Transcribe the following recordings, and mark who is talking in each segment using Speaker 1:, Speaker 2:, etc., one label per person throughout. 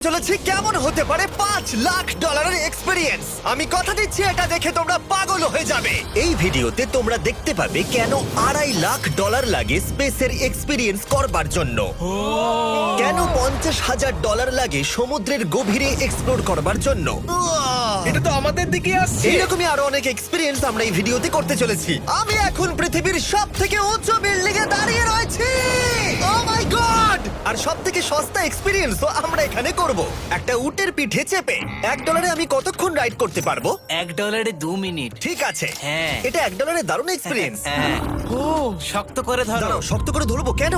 Speaker 1: চলেছে কেমন হতে পারে $5 লাখ এক্সপিরিয়েন্স। আমি কথা দিচ্ছি এটা দেখে তোমরা পাগল হয়ে যাবে। এই ভিডিওতে তোমরা দেখতে পাবে কেন $2.5 লাখ লাগে স্পেসের এক্সপিরিয়েন্স করবার জন্য, কেন $50,000 লাগে সমুদ্রের গভীরে এক্সপ্লোর করবার জন্য।
Speaker 2: এটা তো আমাদের দিকে আসছে।
Speaker 1: এইরকমই আরো অনেক এক্সপিরিয়েন্স আমরা এই ভিডিওতে করতে চলেছি। আমি এখন পৃথিবীর সব থেকে উঁচু বিল্ডিং এ দাঁড়িয়ে রয়েছি। ও মাই গড! আর সব থেকে সস্তা এক্সপিরিয়েন্সও আমরা এখানে করব, একটা উটের পিঠে চেপে। $1 আমি কতক্ষণ রাইড করতে পারবো?
Speaker 3: $1 2 মিনিট।
Speaker 1: ঠিক আছে,
Speaker 3: হ্যাঁ।
Speaker 1: এটা $1 দারুণ এক্সপিরিয়েন্স।
Speaker 3: হ্যাঁ। ও শক্ত করে ধরো।
Speaker 1: দাঁড়াও, শক্ত করে ধরবো কেন?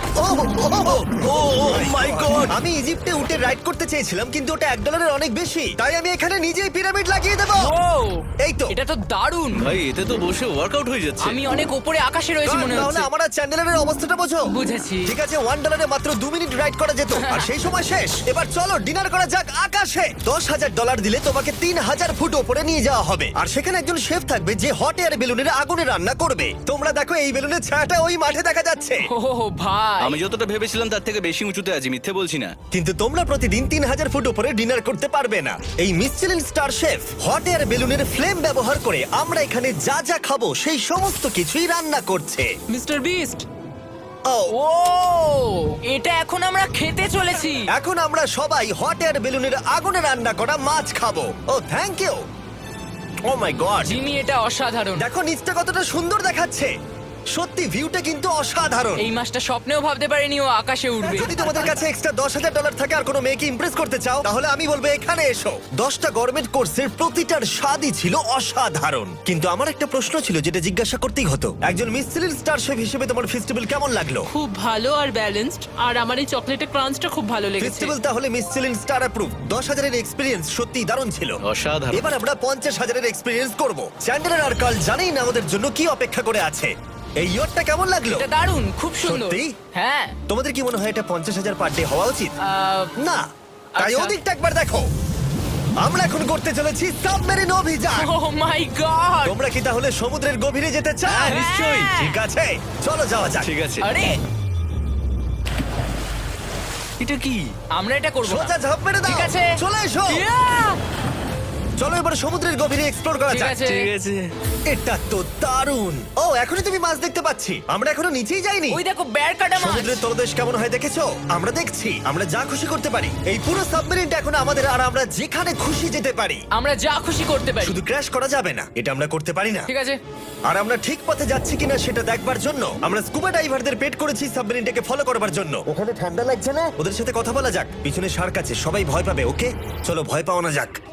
Speaker 1: মাই গড! আমি ইজিপ্টে উটে রাইড করতে চেয়েছিলাম, কিন্তু ওটা $1 অনেক বেশি, তাই আমি এখানে নিজেই পিরামিড লাগিয়ে দেবো।
Speaker 4: ও
Speaker 1: এই তো।
Speaker 4: এটা তো দারুণ।
Speaker 2: ভাই এতে তো বসে ওয়ার্কআউট হয়ে যাচ্ছে।
Speaker 4: আমি অনেক উপরে আকাশে রয়েছি মনে
Speaker 1: তাহলে
Speaker 4: হচ্ছে।
Speaker 1: আমার আর চ্যান্ডেলের অবস্থাটা বোঝো।
Speaker 4: বুঝেছি।
Speaker 1: ঠিক আছে, $1 মাত্র 2 মিনিট রাইড করা যেত, আর সেই সময় শেষ। এবার চলো ডিনার করা যাক আকাশে। $10,000 দিলে তোমাকে 3000 ফুট উপরে নিয়ে যাওয়া হবে, আর সেখানে একজন শেফ থাকবে যে হট এয়ার বেলুনের আগুনে রান্না করবে। তোমরা দেখো এই বেলুনের ছায়াটা ওই মাঠে দেখা যাচ্ছে।
Speaker 4: ও ভাই
Speaker 2: আমি যতটা ভেবেছিলাম তার থেকে বেশি উঁচুতে আছি, মিথ্যে বলছি না।
Speaker 1: কিন্তু তোমরা প্রতিদিন 3000 ফুট উপরে ডিনার করতে পারবে না। এই Michelin star chef hot air বেলুনের ফ্লেম ব্যবহার করে আমরা এখানে যা যা খাবো সেই সমস্ত কিছুই রান্না করছে।
Speaker 4: Mister beast.
Speaker 1: ও
Speaker 4: ও এটা এখন আমরা খেতে চলেছি।
Speaker 1: এখন আমরা সবাই হট এয়ার বেলুনের আগুনে রান্না করা মাছ খাবো। ও thank you. O my god,
Speaker 4: Jimmy এটা অসাধারণ।
Speaker 1: দেখো নিচটা কতটা সুন্দর দেখাচ্ছে। সত্যি ভিউটা কিন্তু অসাধারণ।
Speaker 4: এই মাসটা স্বপ্নেও ভাবতে পারিনি ও আকাশে উঠবে।
Speaker 1: যদি তোমাদের কাছে এক্সট্রা $10,000 থাকে আর কোনো মেয়েকে ইমপ্রেস করতে চাও, তাহলে আমি বলবো এখানে এসো। 10টা গভর্নমেন্ট কোর্সের প্রতিটার স্বাদই ছিল অসাধারণ। কিন্তু আমার একটা প্রশ্ন ছিল যেটা জিজ্ঞাসা করতেই হতো, একজন মিচেলিন স্টার শেফ হিসেবে তোমার ফেস্টিভ্যাল কেমন লাগলো?
Speaker 5: খুব ভালো আর ব্যালেন্সড, আর আমার এই চকলেটের ক্রাঞ্চটা খুব ভালো লেগেছে।
Speaker 1: ফেস্টিভ্যাল তাহলে মিচেলিন স্টার অ্যাপ্রুভ। 10,000 এর এক্সপিরিয়েন্স সত্যিই দারুণ ছিল।
Speaker 2: অসাধারণ।
Speaker 1: এবার আমরা 50,000 এর এক্সপিরিয়েন্স করব। চ্যান্ডেলার আর কার্ল জানেই না আমাদের জন্য কি অপেক্ষা করে আছে। এই ইয়ারটা কেমন লাগলো?
Speaker 4: এটা দারুণ, খুব সুন্দর।
Speaker 1: সত্যি?
Speaker 4: হ্যাঁ।
Speaker 1: তোমাদের কি মনে হয় এটা 50,000 পার ডে হওয়া উচিত? না, তাই
Speaker 4: আচ্ছা।
Speaker 1: ওদিকটা একবার দেখো। আমরা এখন করতে চলেছি সাবমেরিন অভিযান।
Speaker 4: ও মাই গড।
Speaker 1: তোমরা কি তাহলে সমুদ্রের গভীরে যেতে চাও?
Speaker 4: হ্যাঁ, নিশ্চয়ই।
Speaker 1: ঠিক আছে, চলো যাওয়া যাক।
Speaker 2: ঠিক আছে।
Speaker 4: আরে
Speaker 2: এটা কি?
Speaker 4: আমরা এটা করব না।
Speaker 1: সোজা ঝাঁপ মেরে দাও।
Speaker 4: ঠিক আছে।
Speaker 1: চলে এসো।
Speaker 4: Yeah!
Speaker 1: চলো এবার সমুদ্রের গভীরে এক্সপ্লোর করা
Speaker 4: ঠিক
Speaker 1: যাক।
Speaker 4: আছে।
Speaker 2: ঠিক আছে।
Speaker 1: এটা তো দারুণ। ও এখনই তুমি মাছ দেখতে পাচ্ছি, আমরা এখনো নিচেই যাইনি।
Speaker 4: ওই দেখো বের কাটা মাছ।
Speaker 1: সমুদ্রের তলদেশ কেমন হয় দেখেছো? আমরা দেখছি, আমরা যা খুশি করতে পারি। এই পুরো সাবমেরিনটা এখন আমাদের, আর আমরা যেখানে খুশি যেতে পারি।
Speaker 4: আমরা যা খুশি করতে পারি।
Speaker 1: শুধু ক্র্যাশ করা যাবে না, এটা আমরা করতে পারি না।
Speaker 4: ঠিক আছে।
Speaker 1: আর আমরা ঠিক পথে যাচ্ছি কিনা সেটা দেখবার জন্য আমরা স্কুবা ডাইভারদের পেড করেছি সাবমেরিনটাকে ফলো করবার জন্য। ওখানে ঠান্ডা লাগছে না? ওদের সাথে কথা বলা যাক। পিছনে শার্ক আছে, সবাই ভয় পাবে। ওকে চলো ভয় পাও না যাক।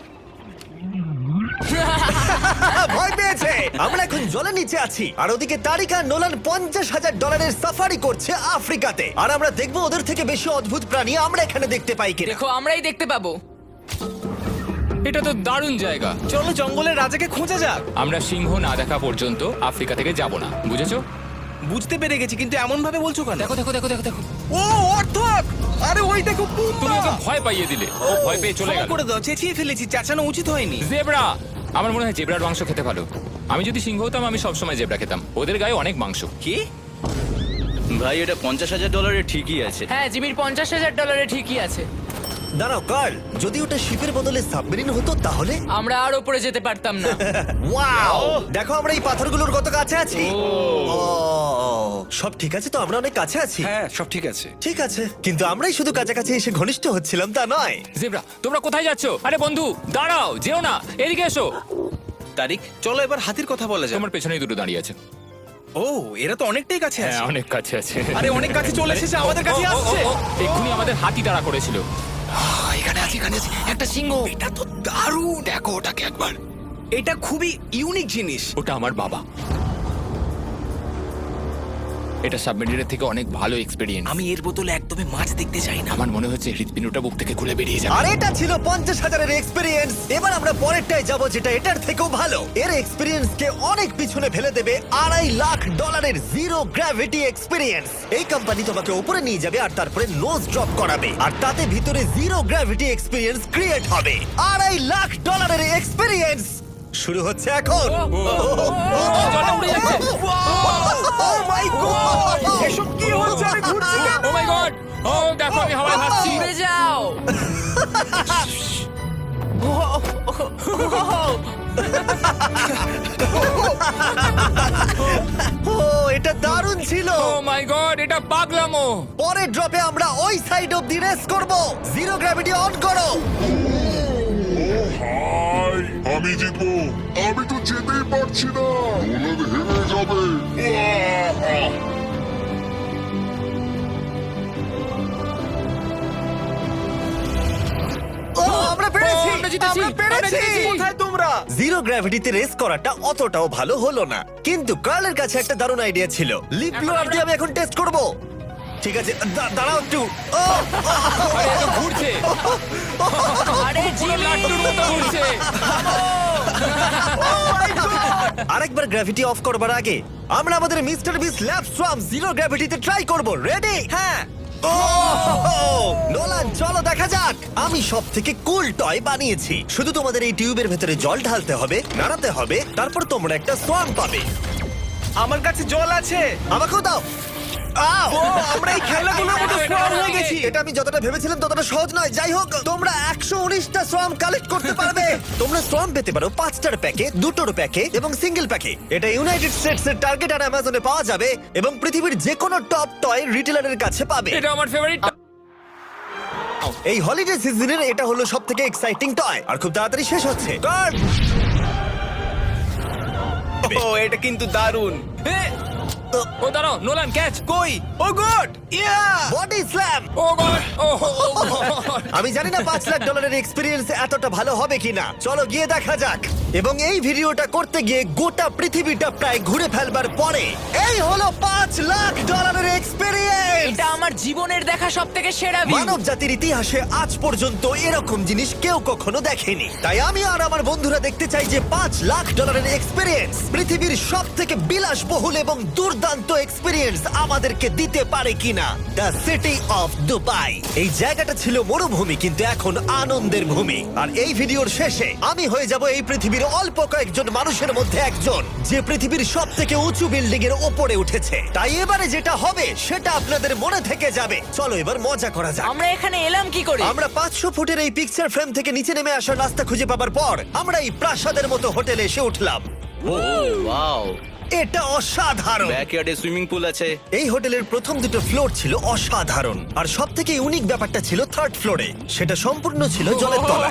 Speaker 1: ভয় পেয়েছে। আমরা এখন জলের নিচে আছি, আর ওদিকে তারিকা নোলান $50,000 সাফারি করছে আফ্রিকাতে। আর আমরা দেখবো ওদের থেকে বেশি অদ্ভুত প্রাণী আমরা এখানে দেখতে পাই কিনা।
Speaker 4: দেখো আমরাই দেখতে পাবো।
Speaker 6: এটা তো দারুণ জায়গা।
Speaker 2: চলো জঙ্গলের রাজাকে খোঁজা যাক।
Speaker 6: আমরা সিংহ না দেখা পর্যন্ত আফ্রিকা থেকে যাব না, বুঝেছো?
Speaker 2: বুঝতে পেরে গেছি, কিন্তু এমন ভাবে বলছো কেন?
Speaker 6: দেখো দেখো দেখো দেখো দেখো,
Speaker 2: ও অর্থক! আরে ওই দেখো
Speaker 6: তুমি ওকে ভয় পাইয়ে দিলে, ও ভয় পেয়ে চলে
Speaker 2: ক্ষমা
Speaker 6: গেল।
Speaker 2: করে দাও, চেঁচিয়ে ফেলেছি, চাচানো উচিত হয়নি।
Speaker 6: জেব্রা, আমার মনে হয় জেব্রার মাংস খেতে ভালো। আমি যদি সিংহ হতাম আমি সবসময় জেব্রা খেতাম, ওদের গায়ে অনেক মাংস।
Speaker 2: কি? ভাই এটা $50,000 ঠিকই আছে।
Speaker 4: হ্যাঁ জিমির $50,000 ঠিকই আছে।
Speaker 1: দাঁড়াও কার্ল, যদি ওটা শিপের বদলে সাবমেরিন হতো তাহলে?
Speaker 4: আমরা আর উপরে যেতে পারতাম না।
Speaker 1: ওয়াও, দেখো আমরা এই পাথরগুলোর কত কাছে আছি। ও, সব ঠিক আছে তো? আমরা অনেক কাছে আছি।
Speaker 2: হ্যাঁ সব ঠিক আছে।
Speaker 1: ঠিক আছে, কিন্তু আমরাই শুধু কাছাকাছি এসে ঘনিষ্ঠ হচ্ছিলাম তা নয়।
Speaker 6: জেব্রা, তোমরা কোথায় যাচ্ছো? আরে বন্ধু দাঁড়াও, যেও না, এদিকে এসো।
Speaker 2: তারিক চলো এবার হাতির কথা বলা যাক।
Speaker 6: তোমার পেছনেই দুটো দাঁড়িয়ে আছে।
Speaker 2: ও এরা তো অনেকটাই কাছে
Speaker 6: হ্যাঁ
Speaker 2: আছে।
Speaker 6: অনেক কাছে আছে।
Speaker 2: আরে অনেক কাছে চলে এসেছে, আমাদের কাছে আসছে।
Speaker 6: এক্ষুনি আমাদের হাতি তাড়া করেছিল।
Speaker 2: এখানে আছে একটা সিংহ। এটা তো দারুণ, দেখো ওটাকে একবার। এটা খুবই ইউনিক জিনিস।
Speaker 6: ওটা আমার বাবা। এটা সাবমেরিনের থেকে অনেক ভালো এক্সপেরিয়েন্স।
Speaker 2: আমি এর বোতলে একদমই মাছ দেখতে চাই না।
Speaker 6: আমার মনে হচ্ছে হৃৎপিণ্ডটা বুক থেকে খুলে বেরিয়ে যাবে।
Speaker 1: আর এটা ছিল 50,000 এক্সপিরিয়েন্স। এবার আমরা পরেরটায় যাব, যেটা এটার থেকেও ভালো। এর এক্সপিরিয়েন্স কে অনেক পিছনে ফেলে দেবে। $2.5 লাখ জিরো গ্র্যাভিটি এক্সপিরিয়েন্স। এই কোম্পানি তোমাকে উপরে নিয়ে যাবে আর তারপরে নোজ ড্রপ করাবে, আর তাতে ভিতরে জিরো গ্র্যাভিটি এক্সপিরিয়েন্স ক্রিয়েট হবে। $2.5 লাখ এক্সপিরিয়েন্স শুরু হচ্ছে এখন।
Speaker 6: জলে উড়ে যাচ্ছে।
Speaker 1: Oh my God!
Speaker 2: এসব কি হচ্ছে? আমি ঘুরছি কেন?
Speaker 6: ও মাই গড, ও দেখো আমি হাওয়ায় ভাসছি।
Speaker 4: উড়ে যাও।
Speaker 1: ও এটা দারুণ ছিল।
Speaker 6: ও মাই গড, এটা পাগলামো।
Speaker 1: পরের ড্রপে আমরা ওই সাইড অফ দি রেস করব। জিরো গ্র্যাভিটি অন করো।
Speaker 7: হাই আমি জিতবো। আমি তো যেতেই পারছি না, নোলান হেরে যাবে। আহ!
Speaker 1: ও আমরা পেরেছি,
Speaker 6: ও, আমরা জিতেছি,
Speaker 1: আমরা পেরেছি।
Speaker 6: আমরা জিতেছি।
Speaker 1: কোথায় তোমরা? জিরো গ্র্যাভিটিতে রেস করাটা অতটাও ভালো হলো না, কিন্তু কার্লের কাছে একটা দারুণ আইডিয়া ছিল। লিপ ব্লোয়ার দিয়ে আমি এখন টেস্ট করব। ঠিক আছে, দাঁড়াও একটু। ও,
Speaker 6: আরে এ তো ঘুরছে,
Speaker 4: আরে
Speaker 6: পুরো
Speaker 4: জিমি,
Speaker 6: লাট্টুর মতো ঘুরছে।
Speaker 1: আরেকবার গ্র্যাভিটি অফ করবার আগে আমরা আমাদের মিস্টার বিস ল্যাব সোয়াম জিরো গ্র্যাভিটিতে ট্রাই করব। রেডি?
Speaker 2: হ্যাঁ।
Speaker 1: ও নোলান, চলো দেখা যাক। আমি সব থেকে কুল টয় বানিয়েছি। শুধু তোমাদের এই টিউবের ভেতরে জল ঢালতে হবে, নাড়াতে হবে, তারপর তোমরা একটা সোয়াম পাবে।
Speaker 2: আমার কাছে জল আছে।
Speaker 1: আমাকেও দাও। আও!
Speaker 2: আমরা এই খেলাগুলোর মতো স্ট্রং হয়ে গেছি।
Speaker 1: এটা আমি যতটা ভেবেছিলাম ততটা সহজ নয়। যাই হোক, তোমরা 119টা সোয়াম কালেক্ট করতে পারবে। তোমরা সোয়াম পেতে পারো 5টার প্যাকে, 2টোর প্যাকে এবং সিঙ্গেল প্যাকে। এটা ইউনাইটেড স্টেটস এর টার্গেট আর অ্যামাজনে পাওয়া যাবে এবং পৃথিবীর যে কোনো টপ টয় রিটেলারের কাছে পাবে।
Speaker 6: এটা আমার ফেভারিট।
Speaker 1: এই হলিডে সিজনের এটা হলো সবথেকে এক্সাইটিং টয় আর খুব তাড়াতাড়ি শেষ হচ্ছে। গার্ড!
Speaker 2: ও এটা কিন্তু দারুণ।
Speaker 6: ও দাঁড়াও, নোলান ক্যাচ।
Speaker 2: কই? ও গড! ইয়া!
Speaker 1: Body slam!
Speaker 6: ও গড, ও গড।
Speaker 1: আমি জানি না $5 লাখ এক্সপিরিয়েন্স এতটা ভালো হবে কিনা। চলো গিয়ে দেখা যাক। এবং এই ভিডিওটা করতে গিয়ে গোটা পৃথিবীটা প্রায় ঘুরে ফেলবার পরে এই হলো $5 লাখ এক্সপিরিয়েন্স।
Speaker 4: এটা আমার জীবনের দেখা সবথেকে সেরা ভিউ।
Speaker 1: মানব জাতির ইতিহাসে আজ পর্যন্ত এরকম জিনিস কেউ কখনো দেখেনি। তাই আমি আর আমার বন্ধুরা দেখতে চাই যে $5 লাখ এক্সপিরিয়েন্স পৃথিবীর সব থেকে বিলাসবহুল এবং দুর্দান্ত এক্সপিরিয়েন্স আমাদেরকে দিতে পারে কিনা। The city of Dubai. এই জায়গাটা ছিল মরুভূমি, কিন্তু এখন আনন্দের ভূমি। আর এই ভিডিওর শেষে আমি হয়ে যাব এই পৃথিবীর অল্প কয়েকজন মানুষের মধ্যে একজন, যে পৃথিবীর সব থেকে উঁচু বিল্ডিং এর ওপরে উঠেছে। তাই এবারে যেটা হবে সেটা আপনাদের মনে থেকে যাবে। চলো এবার মজা করা যাক।
Speaker 4: আমরা এখানে এলাম কি করে?
Speaker 1: আমরা 500 ফুটের এই পিকচার ফ্রেম থেকে নিচে নেমে আসার রাস্তা খুঁজে পাবার পর আমরা এই প্রাসাদের মতো হোটেলে এসে উঠলাম।
Speaker 2: ওয়াও!
Speaker 1: এটা অসাধারণ।
Speaker 2: ব্যাকইয়ার্ডে সুইমিং পুল আছে।
Speaker 1: এই হোটেলের প্রথম দুটো ফ্লোর ছিল অসাধারণ, আর সব থেকে ইউনিক ব্যাপারটা ছিল থার্ড ফ্লোরে। সেটা সম্পূর্ণ ছিল জলের তলায়।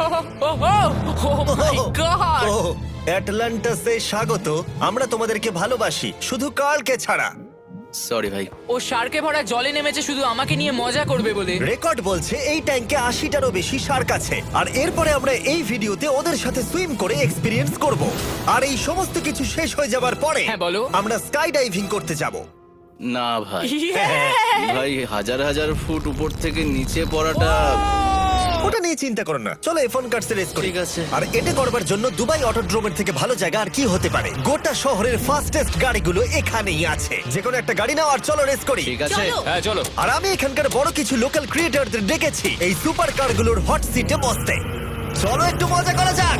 Speaker 4: মাই গড!
Speaker 1: ও, অ্যাটলান্টাসে স্বাগত। আমরা তোমাদেরকে ভালোবাসি, শুধু কার্লকে ছাড়া।
Speaker 2: সরি ভাই।
Speaker 4: ও শার্কে ভরা জলে নেমেছে শুধু আমাকে নিয়ে মজা করবে বলে।
Speaker 1: রেকর্ড বলছে এই ট্যাঙ্কে 80টারও বেশি শার্ক আছে। আর এরপরে আমরা এই ভিডিওতে ওদের সাথে সুইম করে এক্সপিরিয়েন্স করব। আর এই সমস্ত কিছু শেষ হয়ে যাবার পরে
Speaker 4: হ্যাঁ, বলো।
Speaker 1: আমরা স্কাই ডাইভিং করতে যাব।
Speaker 2: না ভাই,
Speaker 1: হ্যাঁ,
Speaker 2: ভাই হাজার হাজার ফুট উপর থেকে নিচে পড়াটা।
Speaker 1: ওটা নিয়ে চিন্তা করো না, চলো F1 কার্স রেস করি।
Speaker 2: ঠিক আছে।
Speaker 1: আর এটা করবার জন্য দুবাই অটোড্রোমের থেকে ভালো জায়গা আর কি হতে পারে। গোটা শহরের ফাস্টেস্ট গাড়িগুলো এখানেই আছে। যে কোনো একটা গাড়ি নাও আর চলো রেস করি।
Speaker 2: ঠিক আছে।
Speaker 6: হ্যাঁ চলো।
Speaker 1: আর আমি এখানকার বড় কিছু লোকাল ক্রিয়েটরদের ডেকেছি এই সুপার কারগুলোর হট সিটে বসতে। চলো একটু মজা করা যাক।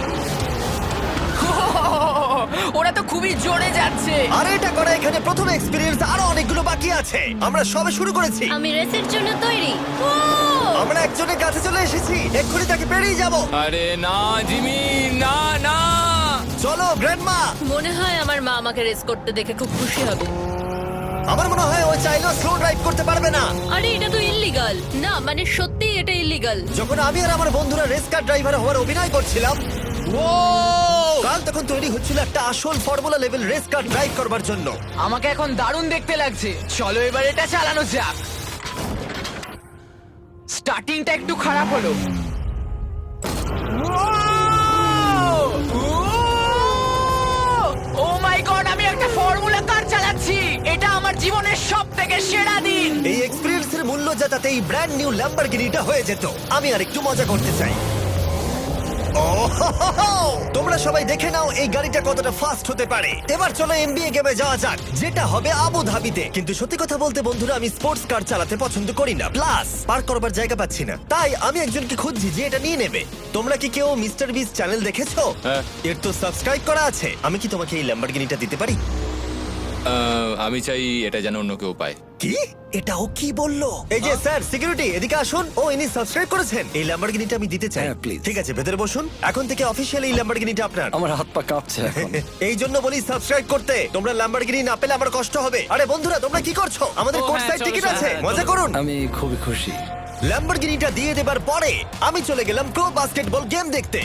Speaker 4: ওরা তো খুবই জোরে যাচ্ছে।
Speaker 1: আর এটা করা এখানে প্রথম এক্সপিরিয়েন্স, আরো অনেকগুলো বাকি আছে। আমরা সবে শুরু করেছি।
Speaker 8: আমি রেসের জন্য তৈরি।
Speaker 1: আমরা একজনের কাছে চলে এসেছি, এক্ষুনি তাকে পেরিয়ে যাব।
Speaker 6: আরে না জিমি, না না।
Speaker 1: চলো গ্র্যান্ডমা।
Speaker 8: মনে হয় আমার মা আমাকে রেস করতে দেখে খুব খুশি হবে।
Speaker 1: আমার মনে হয় ও চাইলেও স্লো ড্রাইভ করতে পারবে না।
Speaker 8: আরে এটা তো ইল্লিগাল। না মানে সত্যি এটা ইল্লিগাল।
Speaker 1: যখন আমি আর আমার বন্ধুরা রেস কার ড্রাইভার হওয়ার অভিনয় করছিলাম, কাল তখন তৈরি হচ্ছিল একটা আসল formula level race car drive করবার জন্য।
Speaker 4: আমাকে এখন দারুণ দেখতে লাগছে। চলো এবার এটা চালানো যাক। স্টার্টিংটা একটু খারাপ হলো। ও মাই গড, আমি একটা ফর্মুলা কার চালাচ্ছি। এটা আমার জীবনের সবথেকে সেরা দিন।
Speaker 1: এই এক্সপেরিয়েন্সের মূল্য যা, তাতে এই ব্র্যান্ড নিউ ল্যাম্বরগিনিটা হয়ে যেত। আমি আর একটু মজা করতে চাই। তোমরা সবাই দেখে নাও এই গাড়িটা কতটা ফাস্ট হতে পারে। এবার চলো NBA গেমে যাওয়া যাক, যেটা হবে আবু ধাবিতে। কিন্তু সত্যি কথা বলতে বন্ধুরা, আমি স্পোর্টস কার চালাতে পছন্দ করি না, প্লাস পার্ক করবার জায়গা পাচ্ছি না। তাই আমি একজনকে খুঁজছি যে এটা নিয়ে নেবে। তোমরা কি কেউ মিস্টার বিস চ্যানেল দেখেছো?
Speaker 6: হ্যাঁ।
Speaker 1: এর তো সাবস্ক্রাইব করা আছে। আমি কি তোমাকে এই ল্যাম্বরগিনিটা দিতে পারি?
Speaker 6: আমি চাই এটা যেন অন্য কেউ পায়।
Speaker 1: কি এটা ও কি বললো? এই যে স্যার সিকিউরিটি এদিকে আসুন। ও ইনি সাবস্ক্রাইব করেছেন। এই ল্যাম্বরগিনিটা আমি দিতে চাই।
Speaker 9: হ্যাঁ, please.
Speaker 1: ঠিক আছে ভেতরে বসুন। এখন থেকে অফিশিয়ালি এই ল্যাম্বরগিনিটা আপনার।
Speaker 9: আমার হাত পা কাঁপছে এখন।
Speaker 1: এই জন্য বলি সাবস্ক্রাইব করতে। তোমরা ল্যাম্বরগিনি না পেলে আমার কষ্ট হবে। আরে বন্ধুরা তোমরা কি করছো? আমাদের
Speaker 3: ও,
Speaker 1: কোর্স
Speaker 3: হ্যাঁ,
Speaker 1: সাইড
Speaker 3: চলো,
Speaker 1: টিকিট
Speaker 3: চলো,
Speaker 1: আছে,
Speaker 3: হ্যাঁ,
Speaker 1: মজা করুন।
Speaker 9: আমি খুবই খুশি।
Speaker 1: ল্যাম্বরগিনিটা দিয়ে দেবার পরে আমি চলে গেলাম প্রো বাস্কেটবল গেম দেখতে।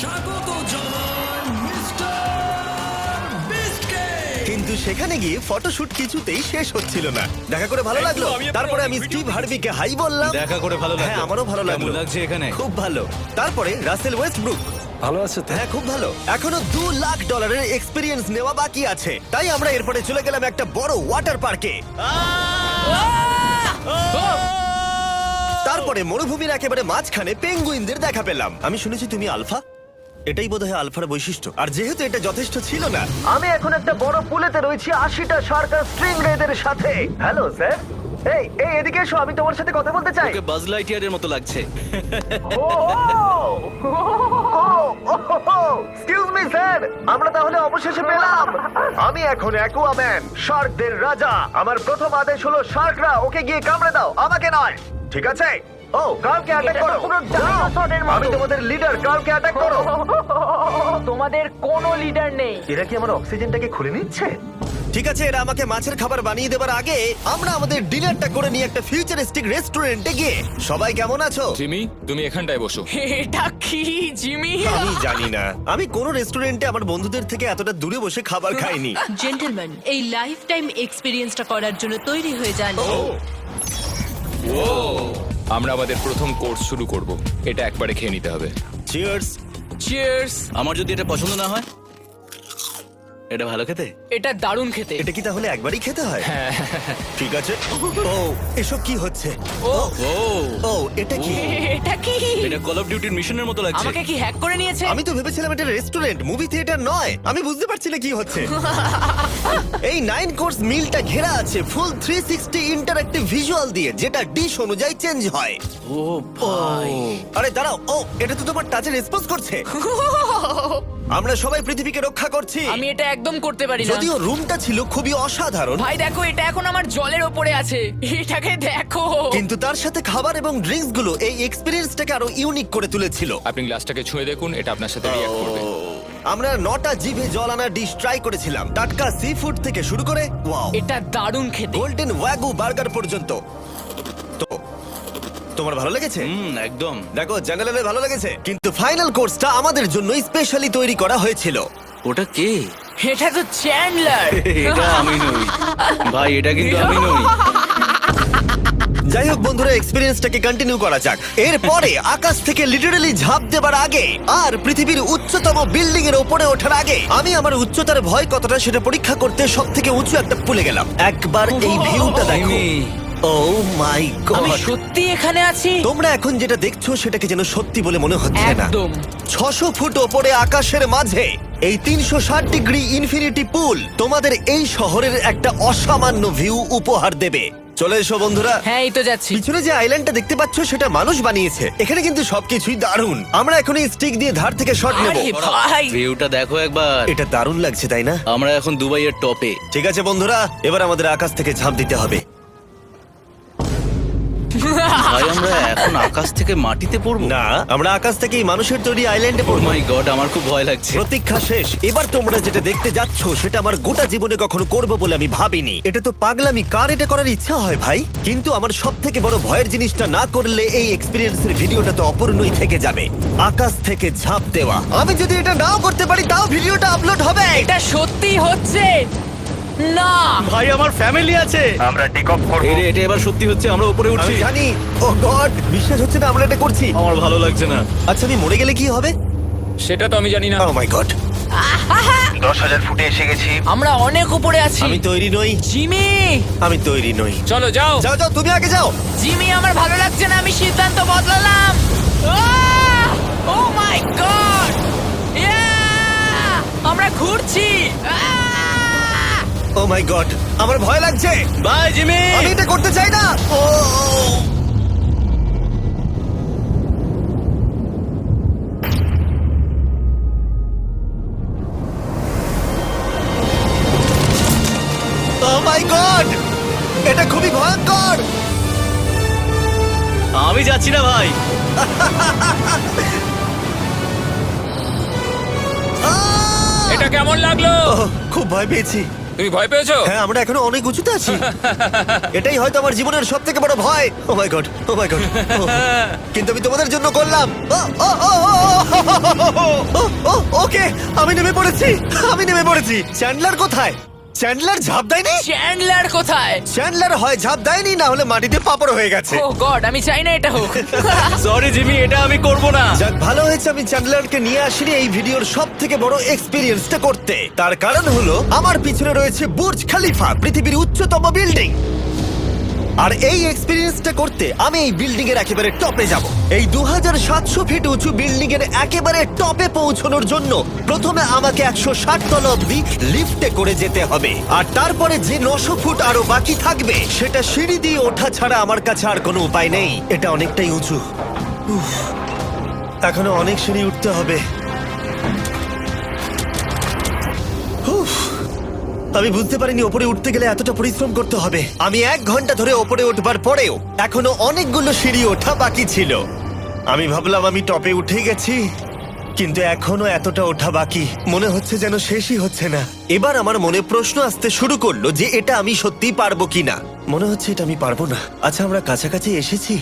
Speaker 1: কিন্তু সেখানে গিয়ে ফটোশুট কিছুতেই শেষ হচ্ছিল না। দেখা করে ভালো লাগলো। তারপরে আমি স্টিভ হার্ভিকে হাই বললাম।
Speaker 9: দেখা করে ভালো লাগলো।
Speaker 1: হ্যাঁ আমারও ভালো লাগলো।
Speaker 9: কেমন লাগছে এখানে?
Speaker 1: খুব ভালো। তারপরে রাসেল ওয়েস্টব্রুক।
Speaker 9: ভালো আছে তো?
Speaker 1: হ্যাঁ খুব ভালো। এখনো $2 লাখ এক্সপিরিয়েন্স নেওয়া বাকি আছে। তাই আমরা এরপরে চলে গেলাম একটা বড় ওয়াটার পার্কে। তারপরে মরুভূমির একেবারে মাঝখানে পেঙ্গুইনদের দেখা পেলাম। আমি শুনেছি তুমি আলফা। এটাই বোধহয় আলফার বৈশিষ্ট্য। আর যেহেতু এটা যথেষ্ট ছিল না, আমি এখন একটা বড় পুলেতে রয়েছি 80টা শার্ক আর স্ট্রিং রেদের সাথে। Hello sir. এই এই এদিকে এসো, আমি তোমার সাথে কথা বলতে চাই।
Speaker 9: ওকে বাজ লাইটইয়ারের মতো লাগছে।
Speaker 1: এক্সকিউজ মি স্যার, আমরা তাহলে অবশেষে পেলাম। আমি এখন অ্যাকুয়াম্যান, শার্কদের রাজা। আমার প্রথম আদেশ হলো শার্করা ওকে গিয়ে কামড়ে দাও, আমাকে নয়। ঠিক আছে? ও কার্লকে অ্যাটাক করো। আমি তোমাদের লিডার, কার্লকে অ্যাটাক করো।
Speaker 4: তোমাদের কোনো লিডার নেই।
Speaker 1: এরা কি আমার অক্সিজেনটাকে খুলে নিচ্ছে? ঠিক আছে, এরা আমাকে মাছের খাবার বানিয়ে দেবার আগে আমরা আমাদের ডিনারটা করে নিয়ে একটা ফিউচারিস্টিক রেস্টুরেন্টে গিয়ে। সবাই কেমন আছো?
Speaker 6: জিমি, তুমি এখানটায় বসো।
Speaker 4: এটা কি জিমি?
Speaker 1: আমি জানি না, আমি কোন রেস্টুরেন্টে আমার বন্ধুদের থেকে এতটা দূরে বসে খাবার খাইনি।
Speaker 8: জেন্টলম্যান, এই লাইফ টাইম এক্সপিরিয়েন্সটা করার জন্য তৈরি হয়ে যান।
Speaker 6: আমরা আমাদের প্রথম কোর্স শুরু করব। এটা একবারে খেয়ে নিতে হবে।
Speaker 1: চিয়ার্স।
Speaker 3: চিয়ার্স।
Speaker 9: আমার যদি এটা পছন্দ না হয়? এটা ভালো খেতে?
Speaker 3: এটা দারুণ খেতে।
Speaker 1: এটা কি তাহলে একবারই খেতে হয়? ঠিক আছে। ও এসব কি হচ্ছে?
Speaker 3: ও
Speaker 9: ও
Speaker 1: ও এটা কি?
Speaker 4: এটা কি?
Speaker 9: এটা কল অফ ডিউটির মিশনের মতো লাগছে।
Speaker 4: আমাকে কি হ্যাক করে নিয়েছে?
Speaker 1: আমি তো ভেবেছিলাম এটা রেস্টুরেন্ট, মুভি থিয়েটার নয়। আমি বুঝতে পারছি না কি হচ্ছে। এই 9 কোর্স মিলটা ঘেরা আছে ফুল 360 ইন্টারঅ্যাক্টিভ ভিজুয়াল দিয়ে, যেটা ডিশ অনুযায়ী চেঞ্জ হয়।
Speaker 9: ও ভাই।
Speaker 1: আরে দাঁড়াও, ও এটা তো তোমার টাচে রেসপন্স করছে। আমরা সবাই পৃথিবীকে রক্ষা করছি।
Speaker 4: আমি এটা একদম করতে পারি না।
Speaker 1: যদিও রুমটা ছিল খুবই অসাধারণ,
Speaker 4: ভাই দেখো, এটা এখন আমার জলের ওপরে আছে। এটাকে দেখো।
Speaker 1: কিন্তু তার সাথে খাবার এবং ড্রিঙ্কস গুলো এই এক্সপেরিয়েন্সটাকে আরো ইউনিক করে তুলেছিল।
Speaker 6: আপনি গ্লাসটাকে ছুঁয়ে দেখুন, এটা আপনার সাথে রিঅ্যাক্ট করবে।
Speaker 1: আমরা 9টা জিভে জল আনা ডিশ ট্রাই করেছিলাম, টাটকা সি ফুড থেকে শুরু করে ওয়াও
Speaker 4: এটা দারুণ খেতে।
Speaker 1: গোল্ডেন ওয়াগু বার্গার পর্যন্ত। তো তোমার ভালো লেগেছে?
Speaker 9: একদম।
Speaker 1: দেখো জেনারেলে ভালো লেগেছে, কিন্তু ফাইনাল কোর্সটা আমাদের জন্য স্পেশালি তৈরি করা হয়েছিল।
Speaker 9: ওটা কে?
Speaker 4: এটা তো চ্যান্ডলার।
Speaker 9: এটা আমি নই ভাই, এটা কিন্তু আমি নই।
Speaker 1: যাই হোক বন্ধুরা, এক্সপেরিয়েন্সটাকে কন্টিনিউ করা যাক। এরপরে আকাশ থেকে লিটারালি ঝাঁপ দেবার আগে আর পৃথিবীর উচ্চতম বিল্ডিং এর উপরে ওঠার আগে আমি আমার উচ্চতার ভয় কতটা সেটা পরীক্ষা করতে সবথেকে উঁচু একটা পুলে গেলাম। একবার এই ভিউটা দেখো।
Speaker 9: জিমি।
Speaker 1: ও মাই
Speaker 4: আমি
Speaker 1: গড,
Speaker 4: সত্যি এখানে আছি।
Speaker 1: তোমরা এখন যেটা দেখছো সেটাকে যেন সত্যি বলে মনে হচ্ছে না।
Speaker 4: একদম।
Speaker 1: 600 ফুট ওপরে আকাশের মাঝে এই 360 ডিগ্রি ইনফিনিটি পুল তোমাদের এই শহরের একটা অসামান্য ভিউ উপহার দেবে। চলে এসো বন্ধুরা।
Speaker 4: হ্যাঁ, এই তো যাচ্ছি।
Speaker 1: পিছনে যে আইল্যান্ডটা দেখতে পাচ্ছ সেটা মানুষ বানিয়েছে। এখানে কিন্তু সবকিছুই দারুণ। আমরা এখন এই স্টিক দিয়ে ধার থেকে শট নেব।
Speaker 4: আরে ভাই,
Speaker 9: ভিউটা দেখো একবার।
Speaker 1: এটা দারুণ লাগছে তাই না?
Speaker 9: আমরা এখন দুবাইয়ের টপে।
Speaker 1: ঠিক আছে বন্ধুরা, এবার আমাদের আকাশ থেকে ঝাঁপ দিতে হবে।
Speaker 9: ভাই আমরা এখন আকাশ থেকে মাটিতে পড়বো?
Speaker 1: না, আমরা আকাশ থেকে এই মানুষের তৈরি আইল্যান্ডে
Speaker 9: ও
Speaker 1: পড়বো।
Speaker 9: মাই গড, আমার খুব ভয় লাগছে।
Speaker 1: প্রতীক্ষা শেষ। এবার তোমরা যেটা দেখতে যাচ্ছ সেটা আমার গোটা জীবনে কখনো করবো বলে আমি ভাবিনি। এটা তো পাগলামি, কার এটা করার ইচ্ছা হয় ভাই? কিন্তু আমার সব থেকে বড় ভয়ের জিনিসটা না করলে এই এক্সপিরিয়েন্সের ভিডিওটা তো অপূর্ণই থেকে যাবে। আকাশ থেকে ঝাঁপ দেওয়া। আমি যদি এটা নাও করতে পারি তাও ভিডিওটা আপলোড হবে।
Speaker 4: এটা সত্যি হচ্ছে না।
Speaker 9: ভাই আমার ফ্যামিলি আছে।
Speaker 1: আমরা টেক অফ করব।
Speaker 9: এই রে, এটা এবার সত্যি হচ্ছে, আমরা উপরে উঠছি।
Speaker 1: আমি জানি। ও গড, বিশ্বাস হচ্ছে না আমরা এটা করছি।
Speaker 9: আমার ভালো লাগছে না।
Speaker 1: আচ্ছা আমি মরে গেলে কি হবে?
Speaker 6: সেটা তো আমি জানি না।
Speaker 1: ও মাই গড, 10,000 ফুটে এসে গেছি।
Speaker 4: আমরা অনেক উপরে আছি।
Speaker 1: আমি তৈরি নই,
Speaker 4: জিমি,
Speaker 1: আমি তৈরি নই।
Speaker 6: চলো যাও।
Speaker 1: যাও যাও, তুমি আগে যাও।
Speaker 4: জিমি, আমার ভালো লাগছে না। আমি সিদ্ধান্ত বদলালাম। ও মাই গড, আমরা ঘুরছি।
Speaker 1: ও মাই গড, আমার ভয় লাগছে।
Speaker 9: Bye Jimmy.
Speaker 1: আমি এটা করতে চাই না। ও ও
Speaker 9: আমি যাচ্ছি না ভাই।
Speaker 6: এটা কেমন লাগলো?
Speaker 1: খুব ভয় পেয়েছি।
Speaker 6: তুমি ভয় পেয়েছো?
Speaker 1: হ্যাঁ, আমরা এখনো অনেক উঁচুতে আছি। এটাই হয়তো আমার জীবনের সব থেকে বড় ভয়। Oh my God, oh my God. কিন্তু আমি তোমাদের জন্য করলাম। ওকে, আমি নেমে পড়েছি, আমি নেমে পড়েছি। চ্যান্ডলার কোথায়? চ্যান্ডলার ঝাঁপ দেয়নি?
Speaker 4: চ্যান্ডলার কোথায়?
Speaker 1: চ্যান্ডলার হয় ঝাঁপ দেয়নি, না হলে মাটিতে পাপড় হয়ে গেছে।
Speaker 4: ও গড, আমি চাই না এটা হোক।
Speaker 9: সরি জিমি, এটা আমি করব না।
Speaker 1: যাক, ভালো হয়েছে আমি চ্যান্ডলারকে নিয়ে আসিনি এই ভিডিওর সব থেকে বড় এক্সপিরিয়েন্সটা করতে। তার কারণ হলো আমার পিছনে রয়েছে বুর্জ খলিফা, পৃথিবীর উচ্চতম বিল্ডিং। আর এই এক্সপিরিয়েন্সটা করতে আমি এই বিল্ডিং এর একেবারে টপে যাব। এই 2700 ফিট উঁচু বিল্ডিং এর একেবারে টপে পৌঁছানোর জন্য প্রথমে আমাকে 160 তলা অব্দি লিফটে করে যেতে হবে, আর তারপরে যে 900 ফুট আরো বাকি থাকবে সেটা সিঁড়ি দিয়ে ওঠা ছাড়া আমার কাছে আর কোনো উপায় নেই। এটা অনেকটাই উঁচু। উফ, এখনো অনেক সিঁড়ি উঠতে হবে। উফ, আমি বুঝতে পারিনি ওপরে উঠতে গেলে এতটা পরিশ্রম করতে হবে। আমি 1 ঘন্টা ধরে ওপরে উঠবার পরেও এখনো অনেকগুলো সিঁড়ি ওঠা বাকি ছিল। আমি ভাবলাম আমি টপে উঠে গেছি, কিন্তু এখনো এতটা ওঠা বাকি। মনে হচ্ছে যেন শেষই হচ্ছে না। এবার আমার মনে প্রশ্ন আসতে শুরু করলো যে এটা আমি সত্যি পারবো কিনা। মনে হচ্ছে এটা আমি পারবো না। আচ্ছা, আমরা কাছাকাছি এসেছি।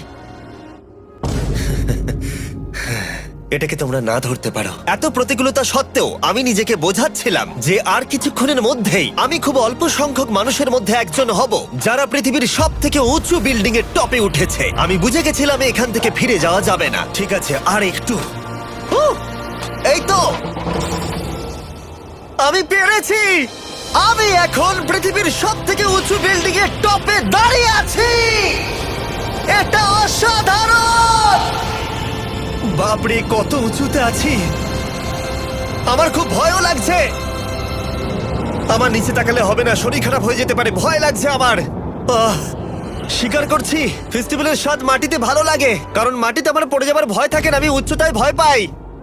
Speaker 1: এটাকে তোমরা না ধরতে পারো। এত প্রতিকূলতা সত্ত্বেও আমি নিজেকে বোঝাচ্ছিলাম যে আর কিছুক্ষণের মধ্যেই আমি খুব অল্প সংখ্যক মানুষের মধ্যে একজন হব যারা পৃথিবীর সব থেকে উঁচু বিল্ডিং এর টপে উঠেছে। আমি বুঝে গেছিলাম এখান থেকে ফিরে যাওয়া যাবে না। ঠিক আছে, আর একটু। এই তো, আমি পেরেছি। আমি এখন পৃথিবীর সব থেকে উঁচু বিল্ডিং এর টপে দাঁড়িয়ে আছি। এটা অসাধারণ। বাপরে, কত উঁচুতে আছি। আমার খুব ভয়ও লাগছে। আমার নিচে তাকালে হবে না, শরীর খারাপ হয়ে যেতে পারে। ভয় লাগছে আমার। স্বীকার করছি, ফেস্টিভ্যালের স্বাদ মাটিতে ভালো লাগে, কারণ মাটিতে আমার পড়ে যাবার ভয় থাকে না। আমি উচ্চতায় ভয় পাই।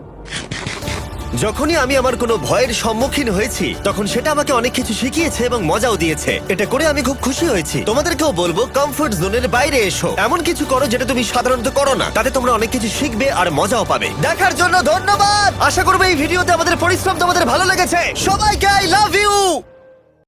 Speaker 1: যখনই আমি আমার কোনো ভয়ের সম্মুখীন হয়েছি তখন সেটা আমাকে অনেক কিছু শিখিয়েছে এবং মজাও দিয়েছে। এটা করে আমি খুব খুশি হয়েছি। তোমাদেরকেও বলবো কমফোর্ট জোনের বাইরে এসো, এমন কিছু করো যেটা তুমি সাধারণত করো না। তাতে তোমরা অনেক কিছু শিখবে আর মজাও পাবে। দেখার জন্য ধন্যবাদ। আশা করবো এই ভিডিওতে আমাদের পরিশ্রম তোমাদের ভালো লেগেছে। সবাইকে আই লাভ ইউ।